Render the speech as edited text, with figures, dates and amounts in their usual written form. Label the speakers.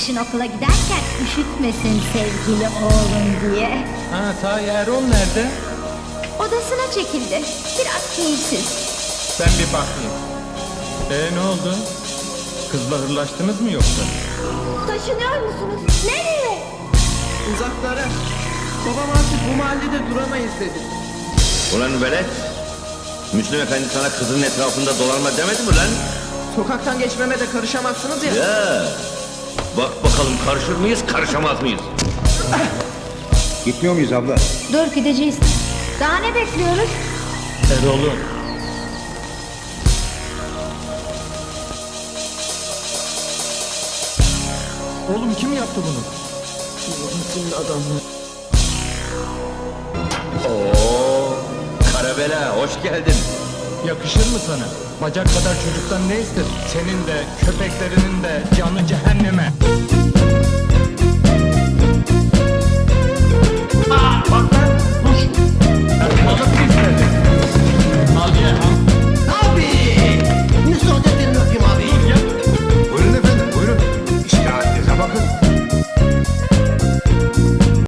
Speaker 1: Kışın okula giderken üşütmesin sevgili oğlum diye.
Speaker 2: Ha, ta Erol nerede?
Speaker 1: Odasına çekildi. Biraz keyifsiz.
Speaker 2: Ben bir bakayım. Ne oldu? Kızla hırlaştınız mı yoksa?
Speaker 1: Taşınıyor musunuz? Nereye?
Speaker 3: Uzaklara. Babam artık bu mahallede duramayız dedi.
Speaker 4: Ulan velet, Müslüm Efendi sana kızın etrafında dolanma demedi mi lan?
Speaker 3: Sokaktan geçmeme de karışamazsınız ya.
Speaker 4: Ya, bak bakalım karışır mıyız, karışamaz mıyız?
Speaker 5: Gitmiyor muyuz abla?
Speaker 1: Dur gideceğiz. Daha ne bekliyoruz?
Speaker 2: Erol'um. Oğlum kim yaptı bunu?
Speaker 4: Oo, Karabela, hoş geldin.
Speaker 2: Yakışır mı sana? Bacak kadar çocuktan ne ister? Senin de, köpeklerinin de canı cehenneme.